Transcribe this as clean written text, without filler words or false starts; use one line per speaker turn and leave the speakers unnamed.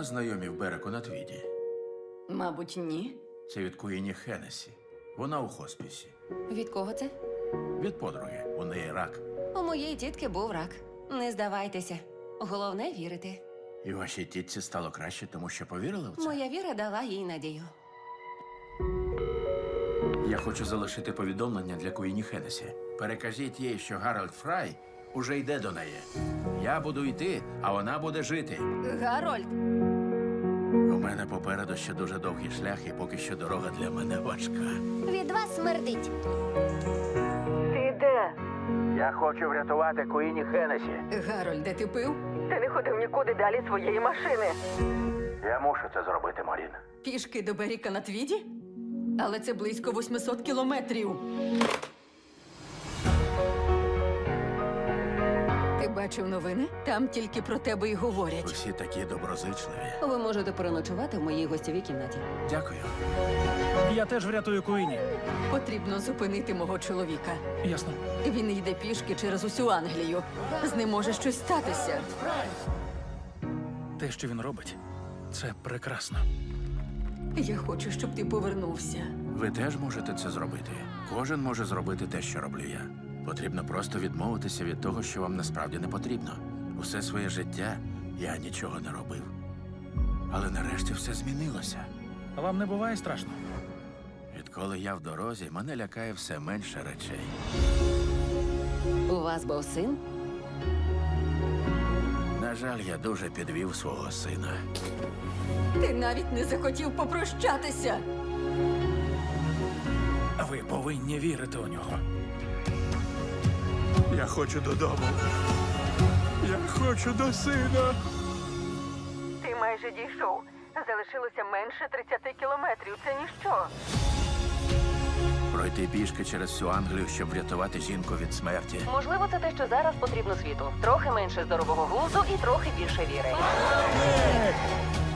знайомі в Береку на Твіді?
Мабуть, ні.
Це від Куїні Хеннесі. Вона у хоспісі.
Від кого це?
Від подруги. У неї рак.
У моєї тітки був рак. Не здавайтеся. Головне вірити.
І вашій тітці стало краще, тому що повірили в це?
Моя віра дала їй надію.
Я хочу залишити повідомлення для Куїні Хеннесі. Перекажіть їй, що Гарольд Фрай уже йде до неї. Я буду йти, а вона буде жити.
Гарольд,
У мене попереду ще дуже довгий шлях, і поки що дорога для мене важка.
Від вас смердить.
ти де?
Я хочу врятувати Куїні Хеннесі.
Гарольде, ти пив? Ти не ходив нікуди далі своєї машини.
Я мушу це зробити, Морін.
Пішки до Беріка на Твіді? Але це близько 800 кілометрів. Ти бачив новини? Там тільки про тебе й говорять.
Усі такі доброзичливі.
Ви можете переночувати в моїй гостєвій кімнаті.
Дякую.
Я теж врятую Куїні.
Потрібно зупинити мого чоловіка.
Ясно.
Він йде пішки через усю Англію. З ним може щось статися.
Те, що він робить, це прекрасно.
Я хочу, щоб ти повернувся.
Ви теж можете це зробити. Кожен може зробити те, що роблю я. Потрібно просто відмовитися від того, що вам насправді не потрібно. Усе своє життя я нічого не робив. Але нарешті все змінилося.
А вам не буває страшно?
Відколи я в дорозі, мене лякає все менше речей.
У вас був син?
На жаль, я дуже підвів свого сина.
Ти навіть не захотів попрощатися.
А ви повинні вірити у нього.
Я хочу додому. Я хочу до сина.
Ти майже дійшов. Залишилося менше 30 кілометрів. Це ніщо.
Пройти пішки через всю Англію, щоб врятувати жінку від смерті.
Можливо, це те, що зараз потрібно світу. Трохи менше здорового глузду і трохи більше віри.